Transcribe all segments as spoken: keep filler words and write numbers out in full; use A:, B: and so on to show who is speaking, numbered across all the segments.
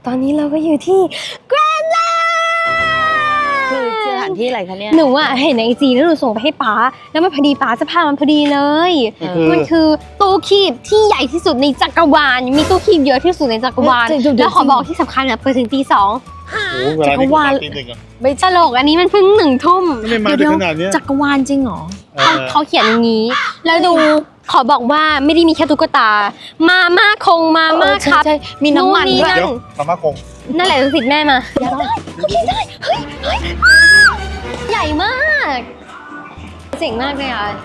A: ตอนนี้เราก็อยู่ที่แกรนด์แลนด์
B: คือสถานที่อะไรคะเนี่ย
A: หนูอะเห็นในไอจีแล้วหนูส่งไปให้ป๊าแล้วมันพอดีป๊าจะพามันพอดีเลยมันคือตู้คีบที่ใหญ่ที่สุดในจักรวาลมีตู้คีบเยอะที่สุดในจักรวาลแล้วขอบอกที่สำคัญอะเปิดถึงตีสอง
C: จักรวาลตีหนึ่งอ่ะ
A: ไม่ตลกอันนี้มันเพิ่งหนึ่งทุ่ม
C: ไม่มาถึงขนาดนี้
B: จักรวาลจริงเหรอ
A: เขาเขาเขียนอย่างนี้ แล้วดูขอบอกว่าไม่ได้มีแค่ตุ๊กตามาม่าคงมาม่าครับ
B: มีน้ำมันด้วย
C: เดี๋ยวมาม่าคง
A: นั่นแหละสิทธิ์แม่มาโอเคได้เฮ้ยเฮ้ยใหญ่มากเจ๋งมากเลยอ่ะ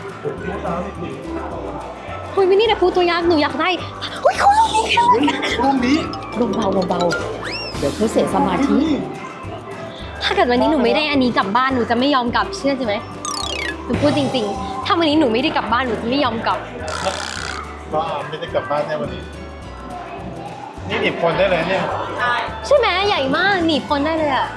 A: คุยไม่นี่แต่พูดตัวยักษ์หนูอยากได้อุ้ยเขาลูกนี้เขา
C: ลูกนี้
B: เบาๆเบาๆเดี๋ยวเขาเสียสมาธิ
A: ถ้าเกิดวันนี้หนูไม่ได้อันนี้กลับบ้านหนูจะไม่ยอมกลับเชื่อใช่ไหมหนูพูดจริงๆถ้าวันนี้หนูไม่ได้กลับบ้านหนูจะไม่ยอมกลับ
C: ก็ไม่ได้กลับบ้านแน่วันนี้นี่หนีบคนได้เลยเนี่ย
A: ใช่ไหมใหญ่มากหนีบคนได้เลยอ่ะ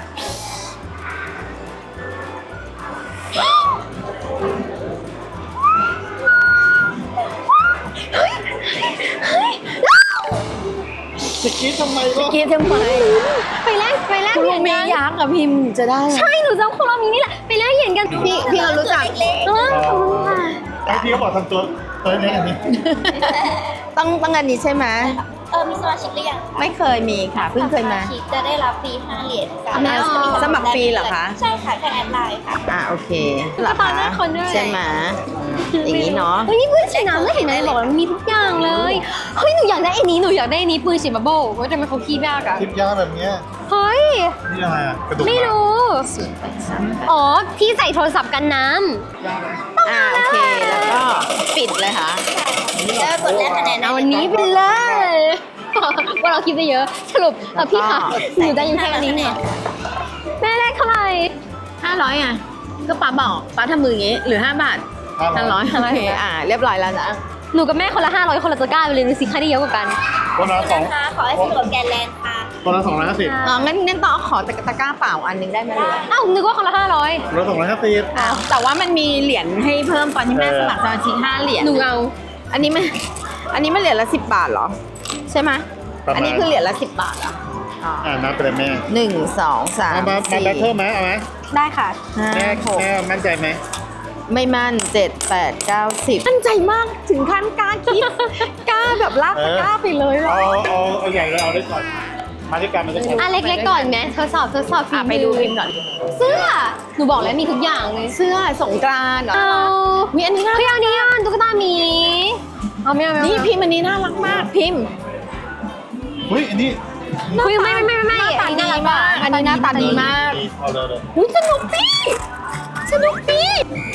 C: จะคิดทำไมก็
B: คิดทำไม
A: ไปแลกไปแลก
B: เหรียญกันยักษ์อะพิมพ์จะได้
A: ใช่หนูจำคุโรมินี่แหละไปแลกเหรียญกัน
B: พี่พี่เขารู้จัก
A: เออขอบคุณค่ะ
C: ไอพี่เขาบอกทำตัวตัวเล็กอันนี้
B: ต้องต้องอันนี้ใช่ไหม
D: เออมีสมาชิกหรือยัง
B: ไม่เคยมีค่ะเพิ่งเคยมา
D: จะได้รับฟรีห้าเหรียญ
B: สมัครฟรีเหรอคะ
D: ใช่ค่ะแค่แอดไลน์ค่ะ
B: อ่าโอเค
A: หลับตาได้คนด้วย
B: ใช่ไหมอย่างนี้เนาะ
A: เฮ้ยนี่ปืนฉีดน้ำไม่เห็นไหมบอกมีทุกอย่างเลยเฮ้ยหนูอยากได้อันนี้หนูอยากได้อันนี้ปืนฉีดบับเบิ้ลว่าจะเป็นเขาขี้ยากอะ
C: คิดยากแบบเนี้ย
A: เฮ้ย
C: นี่อะไรอะกระดูก
A: ไม่รู้อ๋อที่ใส่โทรศัพท์กันน้ำ
B: อ่าโอเคแล้วก็ปิดเลยค่ะ
D: แล้วกดแลกคะแนน
A: เอาวันนี้ไปเลยว่าเราคิดได้เยอะสรุปเออพี่ค่ะหนูได้ยังแค่นี้เนี่ยแม่ได้เท่าไหร่
B: ห้าร้อยอ่ะก็ป้าบอกป้าทำมืออย่างงี้หรือห้าบาทห้าร้อยโอเคอ่าเรียบร้อยแล้วนะ
A: หนูกับแม่คนละห้าร้อยคนละตะกร้าไปเลยดูสิใครได้เยอะกว่ากัน
C: คนละสอง
D: ขอให้สนุกแกนแลนด์ค่ะ
C: คนละสองร้อยห้าสิบ
B: อ๋องั้นงั้นต้องขอตะกร้าเปล่าอันนึงได้ไหมหรือ
A: อ้าวนึกว่าคนละห้าร้อย
C: คนละสองร้อยห้าสิบ
B: แต่ว่ามันมีเหรียญให้เพิ่มตอนที่แม่สมัครสมาชิกห้าเหรียญ
A: หนูเอา
B: อันนี้มันอันนี้มันเหรียญละสิบบาทเหรอใช่ไหมอันนี้คือเหรียญละสิบบาทอ่ะ
C: อ่านับไปเลยแม่
B: หนึ่งสองสาม
C: มามาแบทเทิลไหมเอาไหม
A: ได้ค่ะ
C: แม่แม่มั่นใจไหม
B: ไม่มั่นเจ็ดแปดเก้าสิบมั่นใจมากถึงขั้นกล้าคิดกล้าแบบลากตะกร้าไปเลยหรอ
C: เอาเอาเอาใหญ่เลยเอาได้ก่อนมาด้วยกันมันจะ
A: อ่ะเล็กๆก่อนไหมทดสอบทดสอบฝีมือ
B: ไปดูพิมพ์ก่อน
A: เสื้อหนูบอกแล้วมีทุกอย่างเลย
B: เสื้อสงกรานต์เหรอมีอันนี้น่ารัก
A: พี่อันนี้อันตุ๊กตาหมีเอาไม่เอาไม่
B: นี่พิมพ์อันนี้น่ารักมากพิมพ์
C: เฮ้ยอันนี้
A: คุยไม่ไม่ไม่ไม่
B: อันนี้น่ารักมากอันนี้หน้าตาดีมาก
C: เอาเลยเลย
B: อุ้ยสนุกปี้สนุกปี้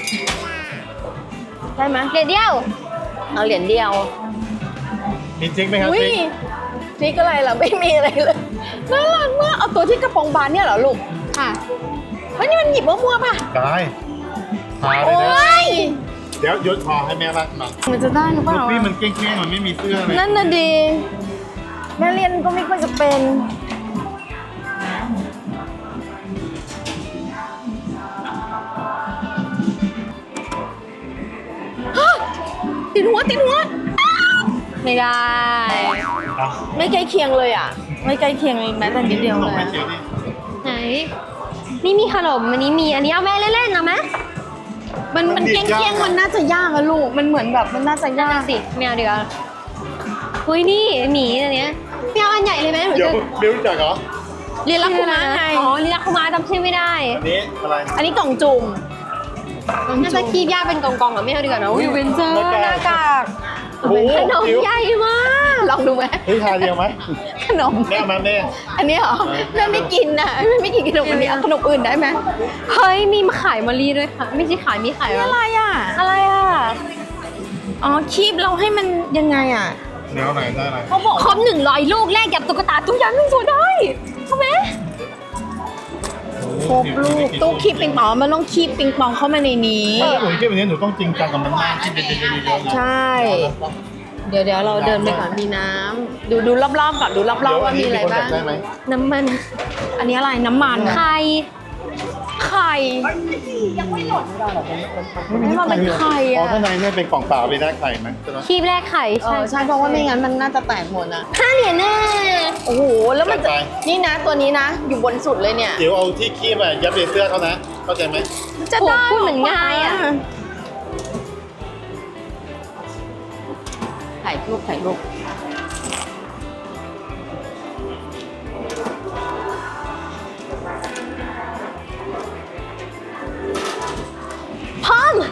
B: ได้ไหม
A: เหรียญเดียว
B: เอาเหรียญเดียว
C: มีจริงไหมครับ
B: จริงจริงอะไรเหรอไม่มีอะไรเลยน่ารักมากเอาตัวที่กระโปรงบานเนี่ยเหรอลูก
A: ค่ะ
B: เฮ้ยนี่มันหยิบมั่วๆป่ะ
C: ได้พาเลยนะเดี๋ยวยศพอให้แม่บ้างมา
B: มันจะได้หรือเปล่า
C: นี่มันเก้งๆมันไม่มีเสื้อเลย
B: นั่นน่ะดีแม่เรียนก็ไม่ค่อยจะเป็นติดหัวติดหัว
A: ไม่ได้
B: ไม่ใกล้เคียงเลยอ่ะไม่ใกล้เคียงแม้แต่นิดเดียวเลย
A: ไหนนี่มีขนมอันนี้มีอันนี้เอาแม่เล่นๆนะไหม
B: มันมันเกี้ยงๆมันน่าจะยากอะลูกมันเหมือนแบบมันน่าจะยาก
A: สิแมวเดียวเฮ้ยนี่หมีอันเนี้ยแมวอันใหญ่เลยไหม
C: เดี๋ยวไม่รู้จักเหรอ
B: เรียนรักคุมาไง
A: อ๋อเรียนรักคุมาจำชื่อไม่ได้
C: อันนี้อะไร
B: อันนี้กล่องจุ่ม
A: น่าจะคีบยากเป็นกองๆกับแมวดีกว่านะวิวเวนเจอร์หน้ากากขนมใหญ่มาก
B: ลองดูไหม
C: เฮ้ยทานเดียวไหม
B: ขนม
C: แม่มาแม่
B: อันนี้เหรอแม่ไม่กินนะแม่ไม่กินขนมอันนี้ขนมอื่นได้ไหม
A: เฮ้ยมีมาขายมะลิด้วยค่ะไม่ใช่ขายมีขาย
B: อะไรอ่ะ
A: อะไรอ่ะ
B: อ๋อคีบเราให้มันยังไงอ่ะ
C: เดี๋ยวไหนได้อะไร
A: เขาบอกครบหนึ่งร้อยลูกแลกกับตุ๊กตาตู้ยันหนึ่งตัวได้ใช่ไหม
B: ครบลูกตู้คีบปิงปองมันต้องคีบปิงปองเข้ามาในนี้
C: หนูคีบแบบนี้หนูต้องจริงจังกับมันมากที่เป็นเยอะ
B: ๆใช่เดี๋ยวเดี๋ยวเราเดินไปก่อนมีน้ำดูดูรอบๆก่อนดูรอบๆว่ามีอะไรบ้าง
A: น้ำมัน
B: อันนี้อะไรน้ำมัน
A: ไข่
B: ไข่
D: ยังไม่หล่น
B: ไม่ว่าเป็นไข่
C: อ๋อ
B: อะ
C: ข้างในเนี่ยเป็นกล่องเปล่าไปได้ไข่ไหมใช่ไหม
A: คีบแรกไข่
B: เอ
A: ใช่
B: อใช่เพราะว่าไม่งั้นมันน่าจะแตกหมดนะ
A: ห้าเหรียญแน่
B: โอ้โหแล้วมันจะ
C: จัดไป
B: นี่นะตัวนี้นะ อยู่บนสุดเลยเนี่ย
C: เดี๋ยวเอาที่คีบอะยัดในเสื้อเขานะเข้าใจไหม
B: จะได้
A: พูดเหมือนง่ายอะ
B: ถ่ายรูปถ่ายรูป
A: พร้อม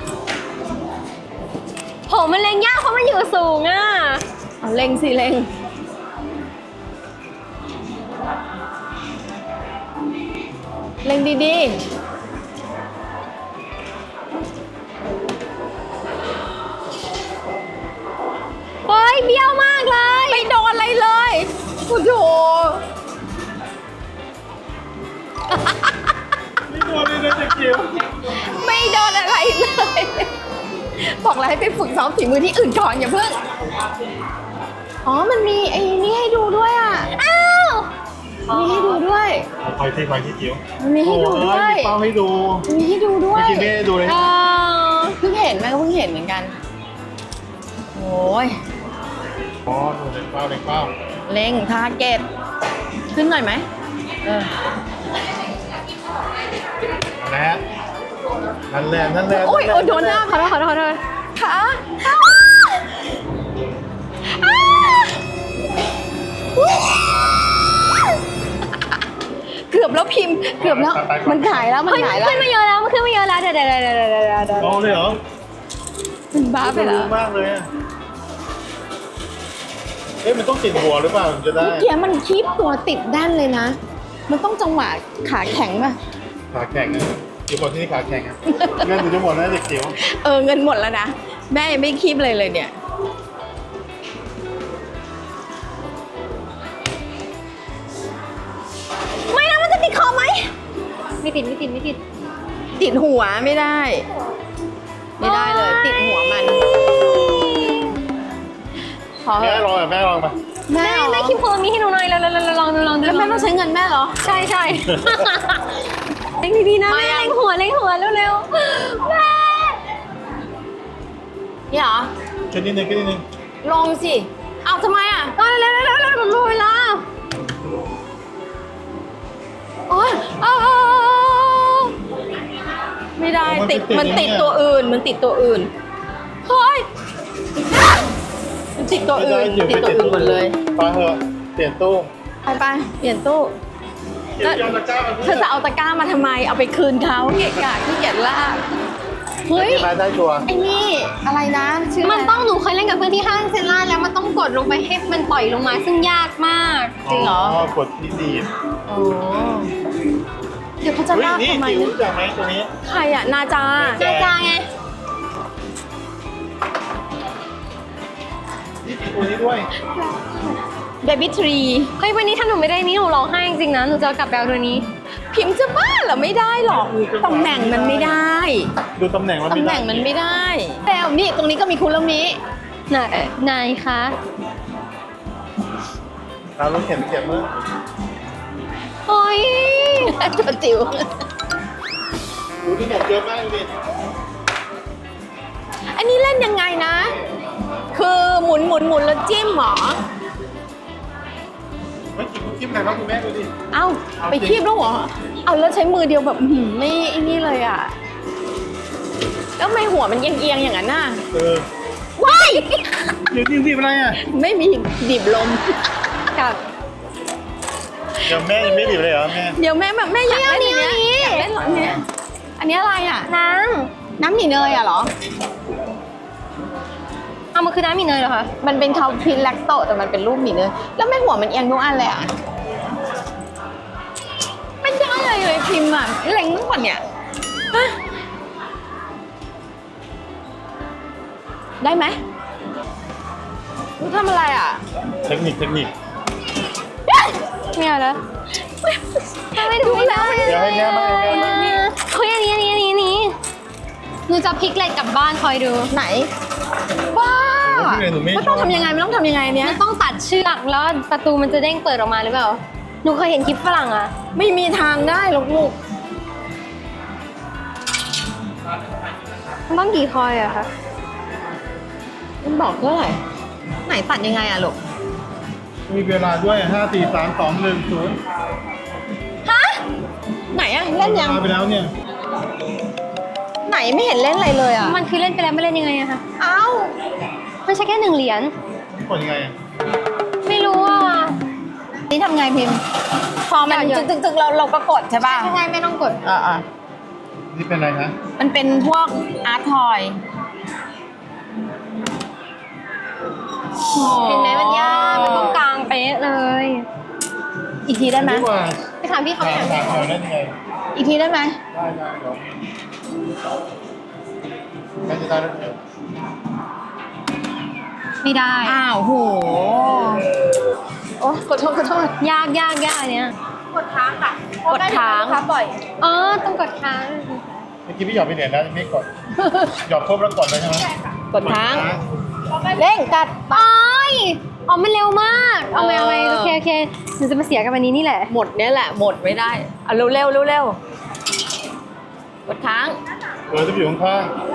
A: ผมมันเล็งยากเพราะมันอยู่สูงอ่ะ
B: เอาเล็งสิเล็งเล็งดี
A: เฮ้ยเบี้ยวมากเลย
B: ๆไม่โดนอะไรเลยโอ้โห
C: ไม่โดนเลยนะเด็กจิ๋ว
B: ไม่โดนอะไรเลย บอกแล้วให้ไปฝึกซ้อมฝีมือที่อื่นก่อนอย่าเพิ่ง อ๋อ มันมีไอ้นี่ให้ดูด้วยอ่ะ
A: อ้าว
B: มีให้ดูด้วย
C: เอาคอยที่คอยที่จิ๋ว
B: มันมีให้ดูด้วย
C: โอ้มีเป้าให้ดู
B: มีให้ดูด้ว
C: เมื่อย กี้ไม่ได้ดูเลย
A: เออ
B: เพิ่งเห็นแม่ก็เพิ่งเห็นเหมือนกัน โอ้ย
C: อ๋อดูเล็กเป้าเล็กเป้า
B: เล็งทาร์เก็ตขึ้นหน่อยไหมเออ
C: นะฮะนั่นแหละนั่นแหละ
B: โอ้ยโอ้ยโดนหน้า
A: ขอโทษขอโทษขอโทษ
B: ขาเกือบแล้วพิมพ์ เกือบแล้ว มันหายแล้วมัน
A: เฮ้ย
B: หาย
A: มัน
B: แล้ว
A: ขึ้นมาเยอะแล้วมันขึ้นมาเยอะแล้วเดี๋ยวเดี๋ยวเดี๋ยวเดี๋ยวเดี๋ยวเดี๋ยว
C: เอาเลยเหรอ
B: มันบ้าไปแล้ว
C: รู้มากเลยอะเอ๊ะมันต้องติดหัวหรือเปล่าถึงจะได้
B: เมื่อกี้มันคีบตัวติดด้านเลยนะ มันต้องจังหวะขาแข็งป่ะ
C: ขาแข็งอะจิ๋วบอกที่นี่ขาแข็งอะเงินถึงจะหมดนะเด็กจิ๋ว
B: เออเงินหมดแล้วนะ แม่ยังไม่คีบเลยเลยเนี่ย
A: ไม่นะมันจะติดคอไหมไม่ติดไม่ติดไม่ติด
B: ติดหัวไม่ได้ ไม่ได้เลย ติดหัวมันขอ
C: แม่ลองอ่ะแม่ลองมา
B: แม่
A: แม่
B: เหรอ
A: แม่คิมโพมีให้หนูหน่อยลองลองลองลองดู
B: แล้วแม่ต้องใช้เงินแม่เหรอ
A: ใช่ใช่เล่งดีๆนะ
B: ไม่
A: แม่
B: อะ
A: เล่งหัวเล่งหัวเร็วๆแม่
B: นี่เหรอ
C: ขึ้นนิดนึงขึ้นนิดนึง
B: ลงสิ เอาทำไมอ่ะ
A: ก็เร็วๆเร็วๆเร็วๆหมดเวลา
B: โอ๊ยเอาเอาเอาเอาไม่ได้ติดมันติดตัวอื่น มันติดตัวอื่น เฮ้ย มันติดตัว
C: ไม่
B: อื่
C: ได้
B: น
C: จิ๋ว
B: ติดตัวอื่นหมดเลย
C: ไปเถอะเปลี่ยนตู้
B: ไปไปเปลี่ยนตู้
C: จิ๋วยอมตะกร้ามา
B: เธอจะเอาตะกร้ามาทำไม เอาไปคืนเขาเกะกะขี้เกียจลากเฮ้ย
C: มาได้ตัว
B: ไอ้นี่ อะไรนะ ชื่อ
A: มันต้องหนูเคยเล่นกับเพื่อนที่ห้างเซนล่าแล้วมันต้องกดลงไปให้มันปล่อยลงมาซึ่งยากมาก
B: จริงเหรอ
C: กดที่ดีด
B: อ๋อเดี๋ยวเขาจะ
C: เฮ้ย
B: ลาก
C: นี่
B: ทำไม
C: จิ๋วรู้จักไหมตัวนี้
B: ใครอะนาจา
C: แจ
A: จางไง
C: นี่มีตัวนี้ด้วย
B: เบบี้ทรี
A: เฮ้ยวันนี้ถ้าหนูไม่ได้นี้หนูร้องไห้จริงๆนะหนูจะเอากลับไปเอาตัวนี้
B: พิมพ์จะบ้าเหรอไม่ได้หรอกตำแหน่งมันไม่ได้
C: ดูตำแหน่งมัน
B: ตำแหน่งมันไม่ได้แล้วนี่ตรงนี้ก็มีคุรมิ
A: ไหนไหนคะ
C: เราต้องเข็นเก็บเมื่อ
A: เฮ้ย
B: ตัวจิ๋ว
C: ดูที่หมดเยอะมากดูดิ
B: อันนี้เล่นยังไงนะ คือหมุนหมุนหมุนแล้วจิ้มเหรอ
C: เฮ้ยจิ๋วคิดไหนบ้างคุณแม่ดูดิ
B: เอ้าไปคีบแล้วเหรอเอาแล้วใช้มือเดียวแบบอื้อหือไม่ไอ้นี่เลยอ่ะแล้วทำไมหัวมันเอียงๆอย่างนั้นน่ะ
C: เออ
B: ว้าย
C: เดี๋ยวนี่รีบอะไรอ่ะ
B: ไม่มีดิบลม
A: กับ
C: เดี๋ยวแม่ยังไม่รีบเลยเหรอแม่
B: เดี๋ยวแม่แบบแม่อยากเล่นอันเนี้ยอยากเล่นเหรออันเนี้ยอันนี้อะไรอ่ะ
A: น้
B: น้ำหมี่เนยอ่ะเหรอ
A: ำเอามันคือน้ำมีเนยเหรอคะ
B: มันเป็นคาพินแลคโตแต่มันเป็นรูปหมี่เนยแล้วแม่หัวมันเอียงทุกอันเลยอ่ะไม่ได้เลยเลยพิมพ์อ่ะเล็งตั้งกว่าเนี่ยฮะได้ไหมรู้ทำอะไรอ่ะ
C: เทคนิคเทคนิค
A: ไม่เอาแล้วไม่ดูแล้ว
C: เดี๋ยวให้แม่บ้างให้แม่บ้าง
A: เฮ้ยอันนี้อันนี้อันนี้อันนี้หนูจะพลิกเหล็กกลับบ้านคอยดู
B: ไหนบ้า
C: พี่เลยหนูไม่
B: มันต้องทำยังไงมันต้องทำยังไงเนี้ย
A: มันต้องตัดเชือกแล้วประตูมันจะเด้งเปิดออกมาหรือเปล่าหนูเคยเห็นคลิปฝรั่งอะ
B: ไม่มีทางได้หรอกลูก
A: มันต้องกี่คอยอะคะ
B: มันบอกเท่าไหร่ไหนตัดยังไงอะลูก
C: มีเวลาด้วยห้าสี่สามสองหนึ่งศูนย์
B: ฮะไหนอะเล่นยัง
C: มาไปแล้วเนี่ย
B: ไหนไม่เห็นเล่นอะไรเลยอะ
A: มันคือเล่นไปแล้วไม่เล่นยังไงอะคะ
B: เอ้า
A: มันใช้แค่หนึ่งเหรียญ
C: กดยังไงอะ
A: ไม่รู้อ่ะ
B: นี่ทำไงพิมพ์ พอมัน
A: หยอด
B: จึกๆๆเราเราก็กดใช่ป่ะ
A: ใช่ใช่ไม่ต้องกด
B: อ่า
C: นี่เป็นอะไรนะ
B: ๆมันเป็นพวกอาร์ตทอย
A: เห็นไหมมันยากมันต้องกลางเป๊ะเลย
B: อีกทีได้ไหม
C: ดีกว่า
A: ไปถามพี่เขา
C: ถาม
A: ไปถาม
C: ถามหน่อยได้ยังไง
B: อีกทีได้ไหม
C: ได้ได้เดี๋ยวไม่จะได้แล้วเดี๋ยว
A: ไม่ได้
B: อ้าวโหโอ้ขอโทษขอโทษ
A: ยากยากยากอันเนี้ย
D: กดค้างค่ะ
B: กดค้าง
D: ลูกค้าปล่อย
A: อ๋อต้องกดค้าง
C: เมื่อกี้พี่หยอดไปเหรียญแล้วยังไม่กด หยอดครบแล้วกดเลยใช่ไหม
B: กดค้างเร่งกัด
A: โอ้ยอ๋อมันเร็วมาก เอาไหมเอาไหมโอเคโอเคหนูจะมาเสียกับวันนี้นี่แหละ
B: หมดเนี้ยแหละหมดไม่ได้เอาเร็วเร็วเร็วเร็วๆกดค้าง
C: เออจะอยู่ข้าง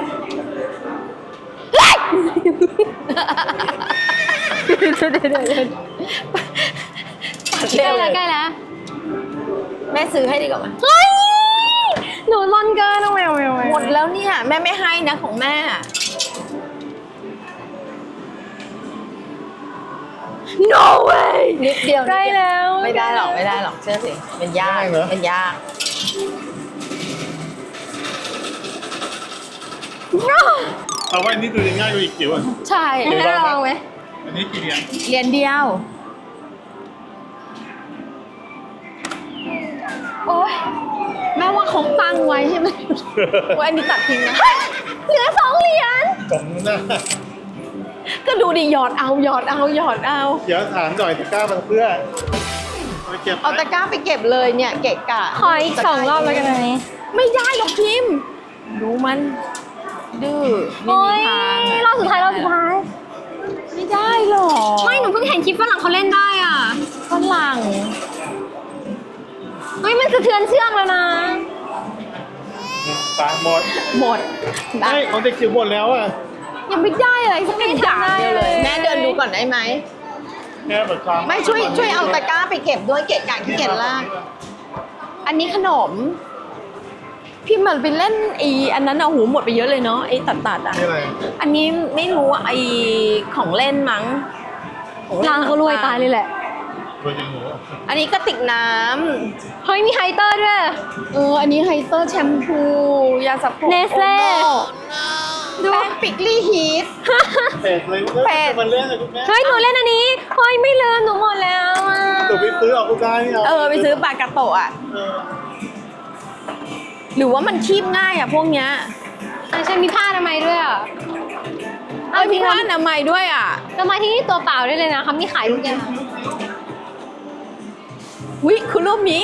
B: ปัด
A: ใก
B: เร็
A: ล้ว
B: เล
A: แล้ว
B: ย
A: ใกล้แล้ว
B: แม่ซื้อให้ดีกว่าไหม
A: เฮ้ยหนูร่อนเกินเอาไหมเอาไหมเอาไหม
B: หมดแล้วเนี่ยแม่ไม่ให้นะของแม่
A: no way
B: นิดเดียว
A: ใกล้แล้ว
B: ไม่ได้หรอกไม่ได้หรอกเชื่อสิมันยากมันยาก
C: ๆเอาไว้นี่ตัวยังง่ายกว่าอีกจิ๋วอ่ะ
B: ใช่
A: ให้ลองไหม
C: อันนี้กี่เหรียญ
B: เรียนเดียว
A: โอ้ย
B: แม่ว่าเขาตั้งไว้ใช่ไหมว่าอันนี้ตัดทิ้งนะ
A: เหลือสองเหรียญ
C: สมหน้า
B: ก็ดูดิหยอดเอาหยอดเอาหยอดเอา
C: เดี๋ยวถามหน่อยตะกร้ามันเพื่อเอาไปเก็บ
B: เอาตะกร้าไปเก็บเลยเนี่ยเกะกะ
A: ขออีกสองรอบแล้วกันอันนี้
B: ไม่ได้หรอกพิมพ์ดูมันดื้อไม่
A: โอ้
B: มี
A: ย
B: ทาง
A: รอบสุดท้ายรอบสุดท้าย
B: ไม่ได้หรอก
A: ไม่หนูเพิ่งเห็นคลิปฝรั่งเขาเล่นได้อ่ะ
B: ฝรั่ง
A: เฮ้ยมันสะเทือนเชือกแล้วนะ
C: ตามหมด
B: หมด
C: ไม่ของเด็กจิ๋วหมดแล้วอ่ะ
B: ยังไม่ได้อะไรสักอย่างเดียวเลย
A: ไม่ได้เลย
B: แม่เดินดูก่อนได้ไหม
C: แค่แบบความ
B: ไม่ช่วยช่วยเอาตะกร้าไปเก็บด้วยเกะกะขี้เกียจลากอันนี้ขนม พี่มันไปเล่นไอ้อันนั้นเอาหูหมดไปเยอะเลยเนาะไอ้ตัดตัดๆอ่ะ
C: นี่อะไร
B: อันนี้ไม่รู้อะไอ้ของเล่นมั้งของล่น
A: ร้านเขารวยตายเลยแหละ
C: ตัวจริงหนู
B: อันนี้ก็ติกน้ำ
A: เฮ้ยมีไฮเตอร์ด้วย
B: เอออันนี้ไฮเตอร์แชมพูยาสระผม
A: Nestle
B: ดูแป้งปิกลี่ฮีท
C: เป็ดเลย
B: เป็ด
C: มันเล่นเลยคุณแม่
A: เฮ้ยหนูเล่นอันนี้ เฮ้ยไม่ลืมหนูหมดแล้วอ่ะ
C: ตัวไปซื้อเอากูได้นี่เอา
B: เออไปซื้อปลากระโตะอ่ะ
C: เออ
B: หรือว่ามันคีบง่ายอ่ะพวกเนี้ย
A: อ่ะใช่มีผ้าทำไมยด้วยอ่ะ
B: เอาพี่ว่าอนามัยด้วยอ่ะ
A: ทำไมยที่นี่ตัวเปล่าได้เลยนะคะมีขายทุกอย่าง
B: วิคุณรูปนี้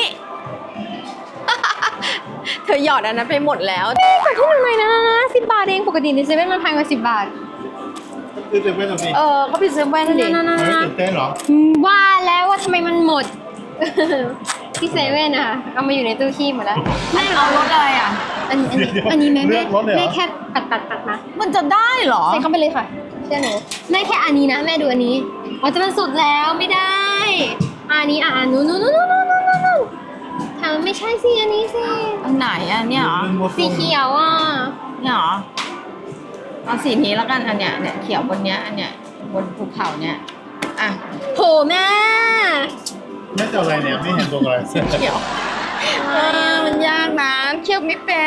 B: เธอหยอดอันนั้นไปหมดแล้ว
A: แต่ที่มันไม่นะสิบบาทเองปกติในเซเว่นมันแพงกว่าสิบบาท
C: คือเต็มไปหมดสิ
B: เออเขาไปซื้อแว่นดิ
A: นั่น
C: เฮ้ย
A: ๆ
C: ตื่นเต้นเหรอ
A: ๆอืมว่าแล้วว่าทำไมมันหมด ที่เซเว่นอะค่ะเอามาอยู่ในตู้คีบหมดแล้ว
B: เอารถอะไรอ่ะ
A: อันอัน
C: เดี๋ยว
A: อันนี้แม่
C: เลื
A: แม่
C: อกรถเลยเหรอ
A: แม่แค่ตัดตัดตัดมา
B: มันจะได้เหรอ
A: ใส่เข้าไปเลยค่ะเชื่อหนูแม่แค่อันนี้นะแม่ดูอันนี้อ๋อจะมันสุดแล้วไม่ได้อะอันนี้อ่ะอันนู้นนู้นนู้นนู้นนู้นนู้นถามไม่ใช่สิอันนี้สิ
B: อันไหนอ่ะเนี่ยเหรอ
A: สีเขียวอ่ะ
B: เนี่ยเหรอเอาสีนี้แล้วกันอันเนี้ยเนี่ยเขียวบนเนี้ยอันเนี้ยบนภูเขาเนี่ยอ่ะ
A: โหแม่
C: แม่จะเอาอะไรเนี่ยไม่เห็นตัวอะไร
B: เขียวเออมันยากนะเคี่ยวไม่เป็น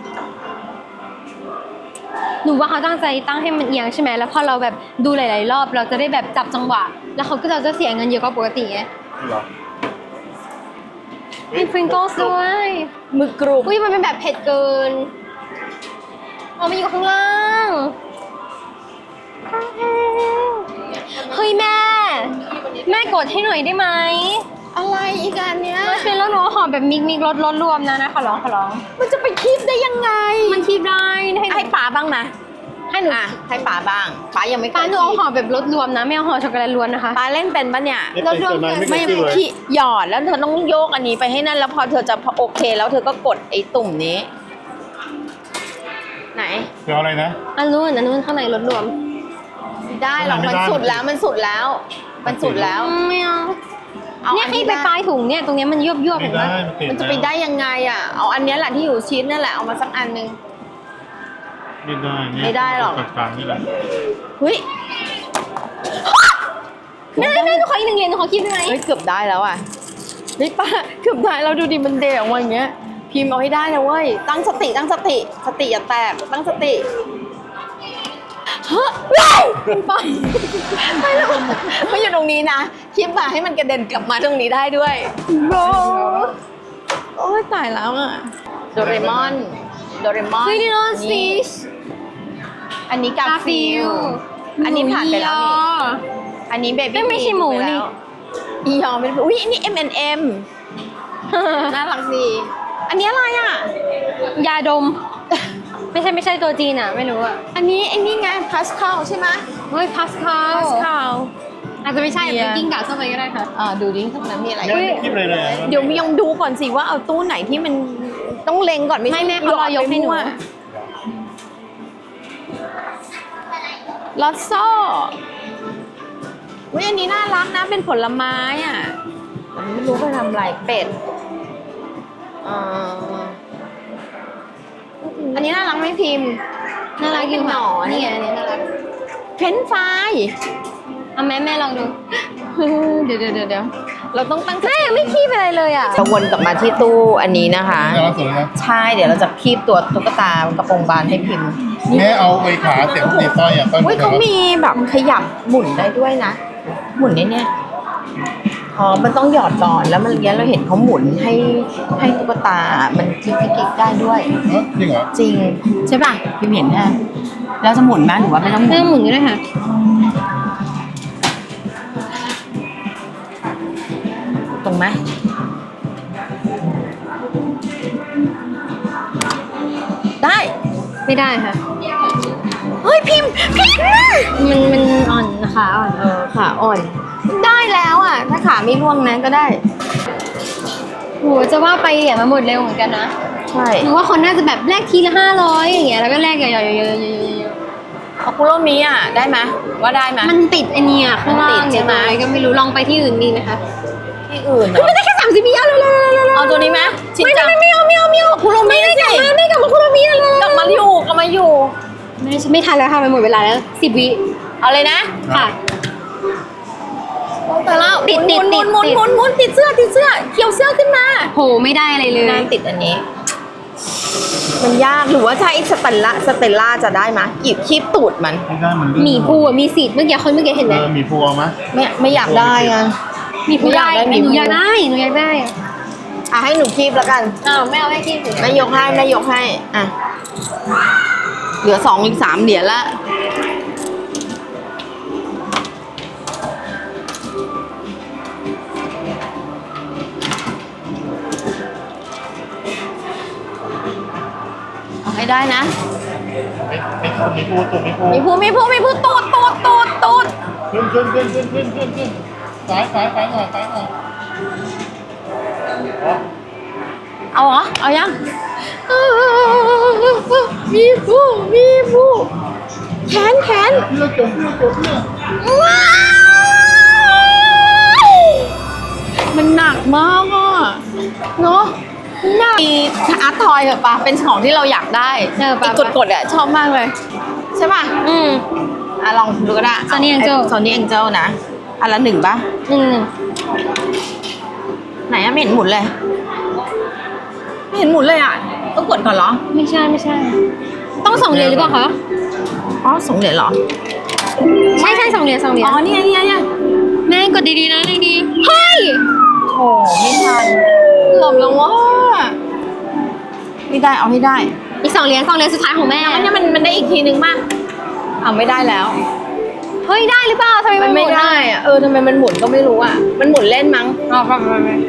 A: หนูว่าเขาตั้งใจตั้งให้มันเอียงใช่ไหมแล้วพอเราแบบดูหลาย ๆ รอบเราจะได้แบบจับจังหวะ แล้วเขาก็จะเสียเงินเยอะกว่าปกติไง
C: เหรอ
A: มีพริงเกิลด้วย
B: มือกรุบ
A: อุ้ยมันเป็นแบบเผ็ดเกินอ๋อมันอยู่ข้างล่างเฮ้ยแม่ แม่กดให้หน่อยได้ไหม
B: อะไรอีกอันเนี้ย
A: มันเป็นแล้วหนูหอมแบบมิกมิกรสรสรวมนะนะขอร้องขอร้อง
B: มันจะไปคีบได้ยังไง
A: มันคีบได้ให้
B: ให้ป๋าบ้างนะ
A: ให้หนู
B: อ่ะให้ป๋าบ้างป๋ายังไม่เค
A: ป้าย หนูเอาหอมแบบรสรวมนะไม่เอาหอมช็อกโกแลตล้วนนะคะ
B: ป๋าเล่นเป็นปะเนี่ย
C: ไม่เป็นตัวนั้นไม่
B: ไม่
C: เคยคิดเลย
B: ขี้หยอดแล้วเธอต้องโยกอันนี้ไปให้นั่นแล้วพอเธอจะโอเคแล้วเธอก็กดไอ้ตุ่มนี้ไหน
C: เดี๋ยวอะไรนะ
A: อันนู้นอันนู้นข้างในรถรวม
B: ไม่ได้หรอก
C: ไม่
B: มัน
C: ได้
B: สุดแล้วมันสุดแล้ว มันสุดแล้ว
A: ไม่เอา
B: เอา
A: เนี่ย
B: อัน
A: ให้
B: ที่
A: ไป
B: ได้
A: ปลายถุงเนี่ยตรงเนี้ยมันยวบยวบ
C: ไม่
A: เห็นไหม
C: ได้มันติด
B: มันจะไปได้ยังไงอ่ะ เอาอันเนี้ยแหละที่อยู่ชิ้นนั่นแหละเอามาสักอันนึง
C: ไม่ได้นี่
B: ไม่ได้หรอก
C: กลางๆนี่แหละ
B: เฮ้ย
A: แม่แม่หนูขออีกหนึ่งเหรียญหนูขอคิดได้ไหม
B: เฮ้ยเกือบได้แล้วอ่ะเฮ้ยป้าเกือบได้แล้วดูดิมันเดี่ยวมาอย่างเงี้ยพิมพ์เอาให้ได้นะเว้ยตั้งสติตั้งสติสติอย่าแตกตั้งสติเฮ้ยไปไปแล้วไม่อยู่ตรงนี้นะคิดมาให้มันกระเด็นกลับมาตรงนี้ได้ด้วยโอ้โอ้ยตายแล้วอ่ะโดเรมอนโดเรมอน
A: เฮ้ยนี่โนฟิช
B: อันนี้กาฟิลอันนี้ผ่านไปแล้วนี่อันนี้เบบี้
A: ไม่ใช่หมูนี่
B: อียอมเป็นอุ้ยอันนี้ เอ็ม แอนด์ เอ็ม น่ารักดี อันนี้อะไรอ่ะ
A: ยาดม ไม่ใช่ไม่ใช่ตัวจีนอ่ะไม่รู้อ่ะ
B: อันนี้ไอ้นี่ไงพาสคาลใช่ไหม
A: เฮ้ยพาสคาล
B: พาสคาล
A: อาจจะไม่ใช่
B: เบียร์
A: เป็นกิ้งก่าเข้าไปก็ได้ค่ะ
B: อ่าดูดิข้างในมีอะไร
C: เนี่ยไม่คิดเลยเลย
B: เดี๋ยวมียังดูก่อนสิว่าเอาตู้ไหนที่มันต้องเล็งก่อนไม่ใช่
A: ไม่แม่เขารอยกให้หนู
B: ลอตโซ่อุ้ยอันนี้น่ารักนะเป็นผลไม้อ่ะแต่ไม่รู้ไปทำอะไรเป็ดอ่าอันนี้น่ารักไหมพิมพ์
A: น่ารักอยู่
B: หน
A: ค่ะ
B: อน
A: นี่ไงอันนี้น่ารัก
B: เฟรนช์ฟราย
A: เอาแม่แม่ลองดู
B: เดี๋ยวเดี๋ยวเดี๋ยวเราต้องตั้ง
A: แม่ยังไม่คีบอะไรเลยอ่ะ
B: จะวนกลับมาที่ตู้อันนี้นะคะ
C: น่ารักสุดเลยนะ
B: ใช่เดี๋ยวเราจะคีบตัวตุ๊กตากระโปรงบานให้พิมพ์
C: แม่เอาไอ้ขาเสียบติดสร้อยอ่ะต้น
B: อุ้ยเขามีแบบขยับหมุนได้ด้วยนะ หมุนได้เนี่ยอ๋อมันต้องหยอดก่อนแล้วมันเนี้ยเราเห็นเขาหมุนให้ให้ตุ๊กตามันคลิกคลิกคลิกได้ด้วย
C: เอ้ยจริงเหรอ
B: จริงใช่ป่ะพิมพ์เห็นนะแล้วจะหมุนไหมหรือว่าไม่ต้องหมุ
A: เรื่
B: น
A: องหมุนก็ได้ค่ะ
B: ตรงไหมได้
A: ไม่ได้ค่ะ
B: เฮ้ยพิมพ์พิมพ์
A: มันมันอ่อนนะคะอ่อน
B: เออขาอ่อน ได้แล้วอ่ะ ถ้าขาไม่ร่วงนะก็ได้
A: โหจะว่าไปเหรียญมาหมดเร็วเหมือนกันนะ
B: ใช่
A: หนูว่าคนน่าจะแบบแลกทีละห้าร้อยอย่างเงี้ยแล้วก็แลกเยอะๆๆๆ
B: เอาคุโรมิอ่ะได้ไหมว่าได้ไหม
A: ๆมันติดไอเนี่ยข้างล่าง
B: มันติดใช่
A: เนี่ย
B: ไหม
A: อะไรก็ไม่รู้ลองไปที่อื่นดีไหมคะ
B: ที่อื่นเหร
A: เฮ้ย
B: อ
A: มันได้แค่สามสิบวิเอาเลยๆๆๆ
B: เอาตัวนี้ไหมชิน
A: ไม่
B: จัง
A: ไม่ไม่เอาไม่เอาไม่เอา
B: คุโรมิ
A: ไม่
B: สิ
A: กลับมาไม่กลับมาคุโรมิเลย
B: กลับมาอยู่กลับมาอยู่
A: ไม่ฉันไม่ทันแล้วค่ะมันหมดเวลาแล้วสิบวิ
B: เอาเลยนะ
A: ค่ะ
B: แต่ละ
A: ติด
B: หมุน
A: ติด
B: หมุน
A: ติด
B: หมุนหมุนหมุนติดเสื้อติดเสื้อเขียวเสื้อขึ้นมา
A: โหไม่ได้อะไรเลย
B: น่าติดอันนี้ มันยากหรือว่าใช้สเตลล่าสเตลล่าจะได้ไหมหยิบคีบตูดมัน
C: ไม่ได้มันลื่น
A: หมีภูอ่ะมีสิทธิ์เมื่อกี้คนเมื่อกี้เห็นไหม
C: เออหมีภูเอาไหม
B: ไม่ไม่อยากได้อ่ะ
A: หมีภูได้
B: ไม่อยากได้หมี
A: หนู
B: ภู
A: อยากได้หนูอยากได้อะ
B: อ่ะให้หนูคีบแล้วกัน
A: อ้าวไม่เอาไม่กินสิ
B: แม่ยกให้แม่ยกให้อ่ะเหลือสองอีกสามเหรียญละเอาให้ได้นะ
C: ไอ้ไอ้ตัวหมีภูตัวหมีภู
B: มีผู้มีผู้มีผู้ตูดตูดตูดตูด
C: ขึ้นขึ้นขึ้นขึ้นขึ้นขึ้นขึ้นซ้ายซ้ายซ้ายหน่อยซ้ายหน่อยอ๋อ
B: เอาเหรอ เอายังมีผู้มีผู้แขนแขน
C: เพื่อจบเพื่อจบเพื่อ
B: ว้าวมันหนักมากอ่ะเนาะหนักมีอาร์ตทอยแบบปะเป็นของที่เราอยากได้
A: เออปะ
B: กดกดๆอ่ะชอบมากเลย ใช่ป่ะ
A: อืม
B: อ่ะลองดูก็ได้
A: Sony Angel
B: โซนี่แองเจิลนะอันละหนึ่งป่ะ
A: หนึ่งหนึ่ง
B: ไหนอะไม่เห็นหมุนเลย ไม่เห็นหมุนเลยอ่ะ ต้องกดก่อนเหรอ
A: ไม่ใช่ไม่ใช่ ต้องสองเหรียญหรือเปล่าคะ
B: อ๋อสองเหรียญเหรอ
A: ใช่ใช่สองเหรียญสองเหรียญ
B: อ๋อนี่ไงนี่ไงนี่ไง
A: แม่กดดีๆนะดีๆเฮ้ย
B: โอ้ไม่ทันเกือบแล้วว่าไม่ได้เอาให้ได้
A: อีกสองเหรียญสองเหรียญสุดท้ายของแม่
B: อันนี้มันมันได้อีกทีนึงมากเอาไม่ได้แล้ว
A: เฮ้ยได้หรือเปล่าทำไม
B: มั
A: มัน น
B: ไม่
A: หด
B: ได้อะเออทำไมมันหมุนก็ไม่รู้อ่ะ มันหมุนเล่นมั้ง
A: อ๋อไปไปไป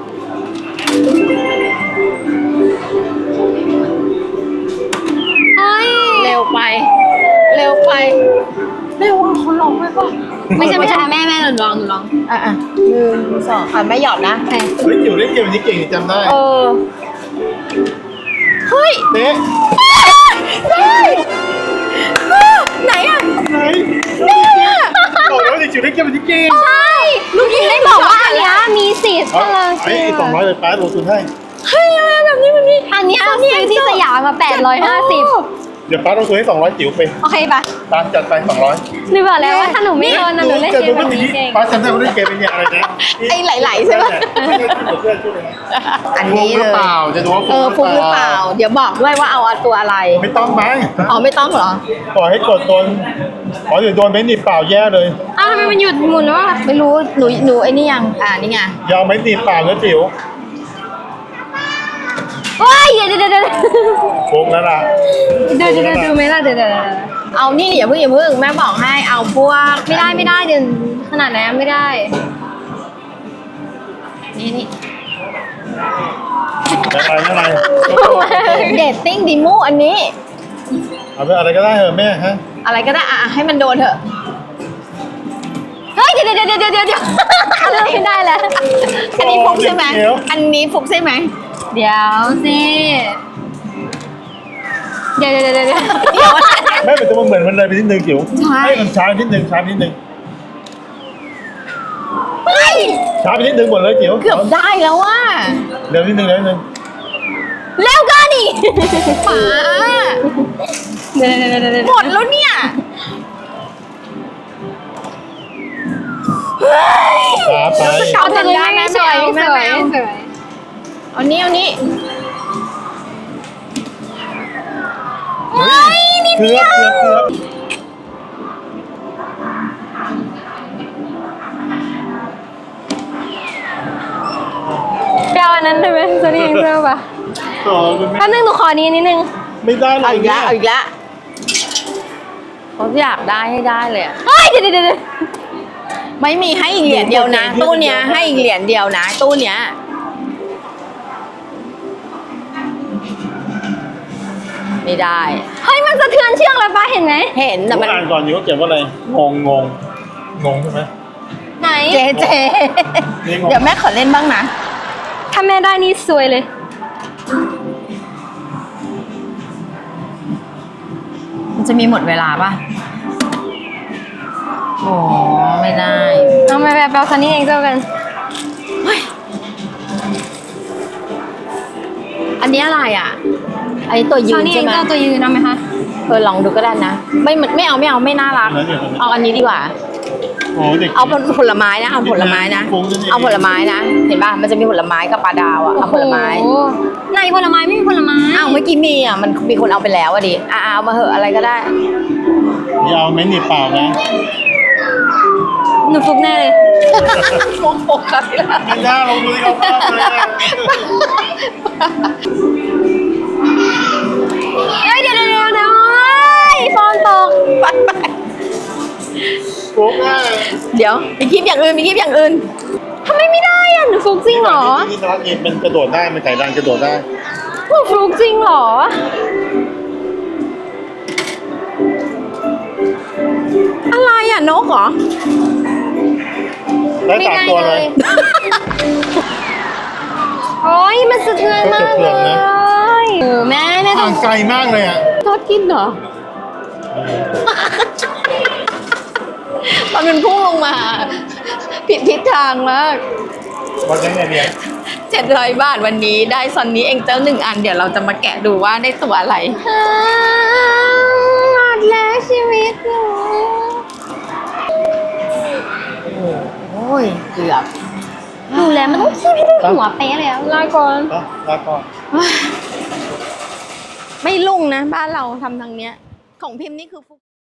A: เฮ้ย
B: เร็วไป เร็วไป เร็วอ่ะเขาลองไปป่ะ
A: ไม่ใช่ไม่ใช่แม่แม่หนูลองหนูลอง
B: อ่ะอ่ะหนึ่งสองอ่ะไม่หยอดนะ
A: โอเค
C: เฮ้ยจิ๋วเล่นเกมนี้เก่งจำได้
B: เออ เฮ้ย
C: เต๊ะ
B: ไหนอ่ะ
C: ไหนบอกแล้วดิจิ๋วได้เก็บเป็นที่เกม
A: ใช่ลูกหญิงได้บอกว่าอันเนี้ยมีสิทธิ์
C: เอา
A: เออ
C: ไอ้สองร้อยเลยป้าลงทุนให้
B: เฮ้ยอะไรแบบนี้แบบนี้
A: อันเนี้ยซื้อที่สยามมาแปดร้อยห้าสิบ
C: เดี๋ยวป้าลงทุนให้สองร้อยจิ๋วไป
A: โอเคปะ
C: ป้าจัดไปสองร้อย
A: หนูบอกแล้วว่าถ้าหนูไม่โดนนะหนูเล่นเกมแบบนี้เก่ง
C: ป้าจำได้ว่าเล่นเกมเป็นเนี่ยอะไรนะ
B: ไอ้ไหลๆใช่ไหม
C: ไม่ใช่ชื่อเพื่อนชื่ออะไรนะ
B: อันนี้
C: ฟุกห
B: เล
C: รือย เปล่าจะดูว่า
B: เออฟุกหรือเปล่า เดี๋ยวบอกด้วยว่าเอาตัวอะไร
C: ไม่ต้องไหม
B: อ๋อไม่ต้องเหรอ
C: ปล่อยให้กดโดนอ๋อเดี๋ยวโดนเบนหนีบเปล่าแย่เลย
A: อ้าวทำไมมันหยุดหมุนวะ
B: ไม่รู้หนูหนูไอ้นี่ยังอ่านี่ไง
C: ยาวไม่หนีบเปล่านะจิ๋ว
A: โอ้ยเดี๋ยวเดี๋ยวเดี๋ยวเดี๋ยว
C: ฟุกแล้วล่ะ
A: เดี๋ยวเดี๋ยวเดี๋ยวดูไหมล่ะเดี๋ยวเดี๋ยวเดี๋ยว
B: เอานี่อย่าเพิ่งอย่าเพิ่งแม่บอกให้เอาพวก
A: ไม่ได้ไม่ได้เดี๋ยวขนาดนั้นไม่ได้
B: นี่นี่
C: อะไรอะไร
B: เดทติ้งดิมูอันนี้
C: เอาไปอะไรก็ได้เหรอแม่ฮะ
B: อะไรก็ได้อ่ะให้มันโดนเถอะ
A: เฮ้ยเดี๋ยวเดี๋ยวเดี๋ยวเดี๋ยวเดี๋ยวเดี๋ยวอะไรไม่ได้แล้ว
B: อันนี้ฟุกใช่ไหมอันนี้ฟุกใช่ไหม
A: เดี๋ยวสิเดี๋ยวเดี๋ยวเดี๋ยวเดี๋ยว
B: เดี๋ยว
C: แม่เป็นตัวมันเหมือนมันเลยไปนิดนึงจิ๋ว
B: ใช่
C: ให้มันช้านิดนึงช้านิดนึง
B: เฮ้ย
C: ช้าไปนิดนึงหมดเลยจิ๋ว
B: เกือบได้แล้วว่ะ
C: เร็วนิดนึงเร็วนิดนึง
A: เร็วก็ดิ
B: ป๋า
A: เดี๋ยวเดี๋ยวเดี๋ยวเดี๋ยว
B: หมดแล้วเนี่ย
C: ช้าไป
A: เอาแต่เลยไม่สวยไม่สวยไม่สวย
B: เอานี้เอานี้
C: เฮ้ยเกือบเกือบเกือบ
A: เปรี้ยวอันนั้นได้ไหมจะนี่เปรี้ยวปะ
C: ต่อคุณแม่
A: แป๊บนึงหนูขอนี้นิดนึง
C: ไม่ได้เล
B: เอา
C: ย
B: อีกแล้วเอาอีกแล้วเขาอยากได้ให้ได้เลยอะ
A: เฮ้ยเดี๋ยวเดี๋ยวเดี๋ยว
B: ไม่มีให้อีกเหรียญเดียวนะ ตู้เนี้ยให้อีกเหรียญเดียวนะ ตู้เนี้ยไม่ได้
A: เฮ้ยมันสะเทือนเชือกเลยป้าเห็นไหม
B: เห็นแต่
C: แต่
B: มัน
C: อ่านก่อนอยู่ว่าเขียนว่าอะไรงงงงงงใช่ไหม
A: ไหน
B: เจเจ
C: นี่งง
B: เดี๋ยวแม่ขอเล่นบ้างนะ
A: ถ้าแม่ได้นี่สวยเลย
B: มันจะมีหมดเวลาป่ะโอ้ไม่ได้
A: เอามาแบบแบบคันนี้เองเจ้ากัน
B: อันนี้อะไรอ่ะอันนี้ตัวยื
A: คัน
B: น
A: นี้เอ
B: ใช่
A: ง
B: ไหม
A: เจ้าตัวยืนเอาไหมคะ
B: เออลองดูก็ได้นะ ไม่ไม่เอาไม่เอาไม่น่ารัก
C: แล้วเนี่ย
B: เอาอันนี้ดีกว่า
C: โอ้เด็ก
B: เอาผลไม้นะ เอาผลไม้นะ เอาผลไม้นะ เห็นป่ะ มันจะมีผลไม้กับปลาดาวอ่ะ เอาผลไม้
A: โอ้โหไหนผลไม้ไม่มีผลไม้
B: อ้าวเมื่อกี้มีอ่ะ มันมีคนเอาไปแล้วอ่ะดิอ่ะเอามาเหอะอะไรก็ได้
C: อย่าเอาไม่หนีบเปล่านะ
A: หนูฟุกแน่เลย
B: โมโหใครล่ะ
C: ไม่ได้ลงมือเขาบ้างเลยอะ
A: เฮ้ยเดี๋ยวเดี๋ยวเดี๋ยวเดี๋ยวเฮ้ยฟอนตก
B: ไปไป
C: โป๊กอ่ะ
B: เดี๋ยวมีคลิปอย่างอื่นมีคลิปอย่างอื่น
A: ทำไมไม่ได้อ่ะหนูฟุกจริงเหรอ
C: ที่สลักเอ็นมันกระโดดได้ มันไก่ดันกระโดดได้
A: หนูฟุกจริงเหรอ
B: อะไรอ่ะนกเหรอ
C: ได้สามตัวเลย
A: โอ้ยมันสะเทือนมาก
C: ก็สะเทื
A: เล
C: อนนะ
A: ยเออแม่แม่ต้
C: ห่า
A: อง
C: งไกลมากเลยอ่ะ
B: ทอดกินเหรอ มันเป็นพุ่งลงมา ผิดทิศทางมาก
C: วันนี้เนี่ยเนี่ย
B: เจ็ดร้อยบาทวันนี้ได้ซอนนี้เองเจ้าหนึ่งอัน เดี๋ยวเราจะมาแกะดูว่าได้ตัวอะไร
A: อ่าหมดแล้วชีวิตหนู
B: โอ้ยเกือบ
A: ดูแล้วมันต้องคีบให้ได้หัวเป๊ะเลยอะลาก่อน
C: ก็ลาก่อน
B: ไม่ลุ่งนะ บ้านเราทำทางเนี้ย ของพิมพ์นี่คือฟุก